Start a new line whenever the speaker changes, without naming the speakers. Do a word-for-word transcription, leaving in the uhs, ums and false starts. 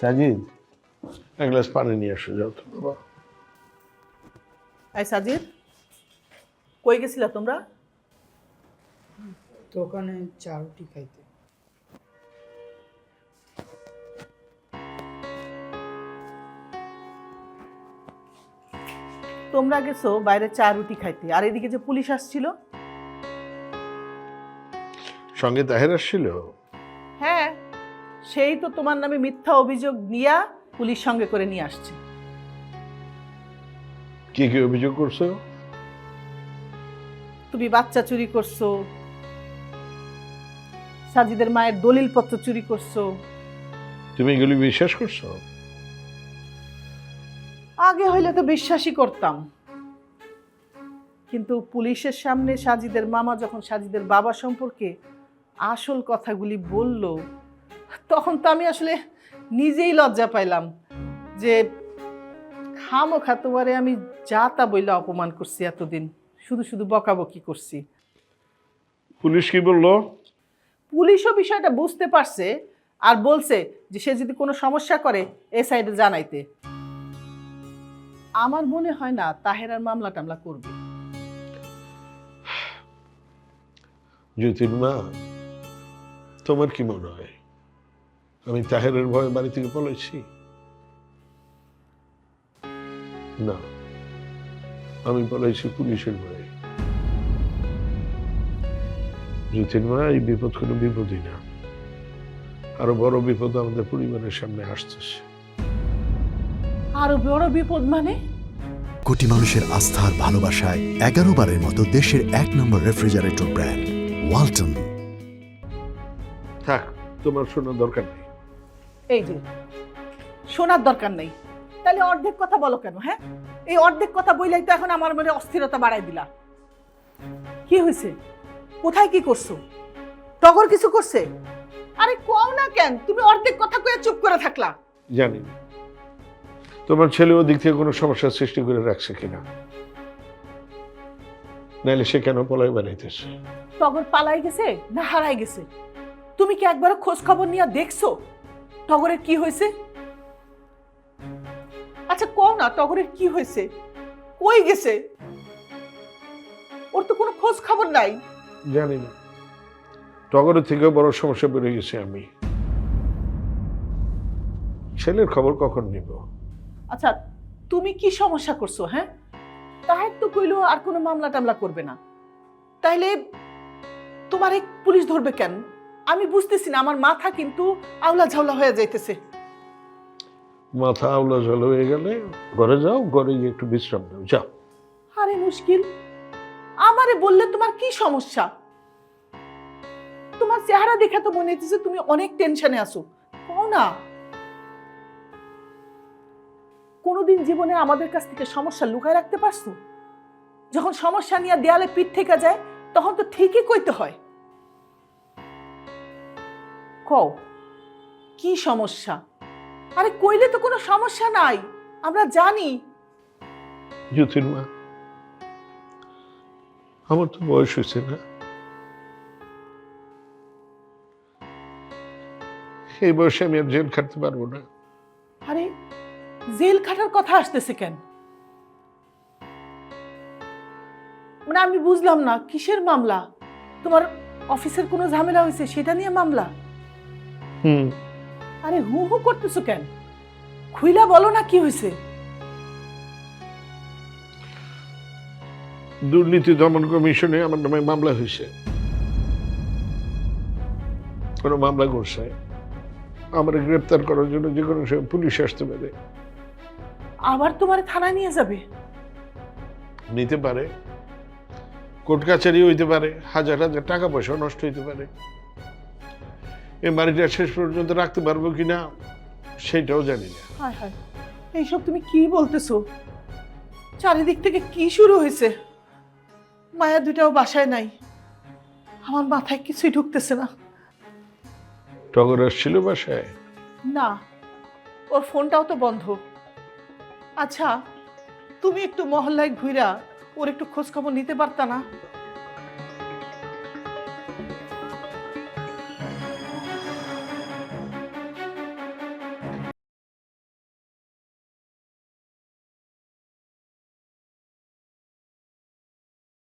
সাজিদ এক গ্লাস পানি নিয়ে আসো যাও তো বাবা।
এই সাজিদ, কই গেছিলা তোমরা?
দোকানে চা রুটি খাইতে।
তোমরা গেছো বাইরে চা রুটি খাইতে, আর এদিকে যে পুলিশ আসছিল।
সঙ্গে তাহের আসছিল?
হ্যাঁ, সেই তো তোমার নামে মিথ্যা অভিযোগ নিয়া পুলিশ সঙ্গে করে নিয়ে আসছে।
কি কি অভিযোগ করছো?
তুমি বাচ্চা চুরি করছো, সাজিদের মায়ের দলিলপত্র চুরি করছো।
তুমি এগুলি বিশ্বাস করছো?
আগে হইলে তো বিশ্বাসই করতাম, কিন্তু পুলিশের সামনে সাজিদের মামা যখন সাজিদের বাবা সম্পর্কে আসল কথাগুলি বলল, তখন তো আমি আসলে নিজেই লজ্জা পাইলাম যে খামোখা তোমারে আমি যা তা বইলা অপমান করছি, এতদিন শুধু শুধু বকাবকি করছি।
পুলিশ কি বললো?
পুলিশও বিষয়টা বুঝতে পারছে আর বলছে যে সে যদি কোনো সমস্যা করে এ সাইডে জানাইতে। আমার মনে হয় না তাহেরার মামলা টামলা করবে।
জ্যোতির মা, তোমার কি মনে হয় আমি তাহেরের ভয়ে বাড়ি থেকে পলাইছি? না, আমি পলাইছি পুলিশের ভয়ে। জ্যোতির মা, এই বিপদ কোনো বিপদই না, আরো বড় বিপদ আমাদের পরিবারের সামনে আসতেছে।
আরো বড় বিপদ মানে?
কোটি মানুষের আস্থার ভালোবাসায় এগারো বারের মতো দেশের এক নম্বর রেফ্রিজারেটর ব্র্যান্ড ওয়ালটন।
থাক, তোমার শোনার দরকার নেই।
এই যে শোনার দরকার নেই, তাহলে অর্ধেক কথা বলো কেন? হ্যাঁ, এই অর্ধেক কথা বইলাই তো এখন আমার মনে অস্থিরতা বাড়াই দিলা। কি হয়েছে? কোথায় কি করছো? টগর কিছু করছে? আরে কও না কেন, তুমি অর্ধেক কথা কয়ে চুপ করে থাকলা।
জানি না তোমার ছেলে ওদিক থেকে কোনো সমস্যার সৃষ্টি করে রাখছে কিনা, নাইলে সে কেন পলাই বানাইতেছে।
টগর পালাই গেছে না হারাই গেছে? তুমি কি একবার খোঁজ খবর নিয়ে দেখছো টগরের কি হয়েছে? আচ্ছা কও না, টগরের কি হয়েছে? কই গেছে? ওর তো কোনো খোঁজ খবর নাই।
জানি না, টগরের থেকে বড় সমস্যা বেড়ে গেছে আমি। ছেলের খবর কখন নিব?
আচ্ছা তুমি কি সমস্যা করছো? হ্যাঁ, তাহের তো কইলো আর কোনো মামলা টামলা করবে না, তাইলে তোমার এই পুলিশ ধরবে কেন? আমি বুঝতেছি না, আমার মাথা কিন্তু আউলা ঝাউলা হয়ে যাইতেছে।
মাথা আউলা জল হয়ে গেলে ঘরে যাও, ঘরে গিয়ে একটু বিশ্রাম নাও, যাও।
আরে মুশকিল, আমারে বললে তোমার কি সমস্যা? তোমার চেহারা দেখে তো মনে হইতেছে তুমি অনেক টেনশনে আছো। কও না, কোনোদিন জীবনে আমাদের কাছ থেকে সমস্যা লুকায় রাখতে পারছো? যখন সমস্যা নিয়ে দেয়ালে পিঠ থেকে যায় তখন তো ঠিকই কইতে হয়। কও কি সমস্যা? আরে কইলে তো কোনো সমস্যা নাই, আমরা জানি।
জ্যোতির মা, আমার তো বয়স হয়েছে না, এই বয়সে আমি আর জেল খাটতে পারবো না।
আরে জেল খাটার কথা আসতেছে কেন? মানে আমি বুঝলাম না, কিসের মামলা? তোমার অফিসের কোনো ঝামেলা হয়েছে সেটা নিয়ে মামলা?
হুম
আরে হু হু করতেছো কেন? খুইলা বলো না কি হয়েছে?
দুর্নীতি দমন কমিশনে আমার নামে মামলা হয়েছে। কোনো মামলা করছে আমার গ্রেপ্তার করার জন্য যে কোনো সময় পুলিশ আসতে পারে।
আবার তোমার থানায় নিয়ে যাবে?
নিতে পারে, কোর্ট কাছারি হইতে পারে, হাজার হাজার টাকা পয়সা নষ্ট হইতে পারে। এই বাড়িটা শেষ পর্যন্ত রাখতে পারবো কিনা সেটাও জানি না।
হায় হায়, এইসব তুমি কি বলতেছো? চারিদিক থেকে কি শুরু হয়েছে? মায়া দুটাও বাসায় নাই, আমার মাথায় কিছুই ঢুকতেছে না।
টগর আসছিল বাসায়?
না, ওর ফোনটাও তো বন্ধ। আচ্ছা তুমি একটু মহল্লায় ঘুরা ওর একটু খোঁজ খবর নিতে পারতা না?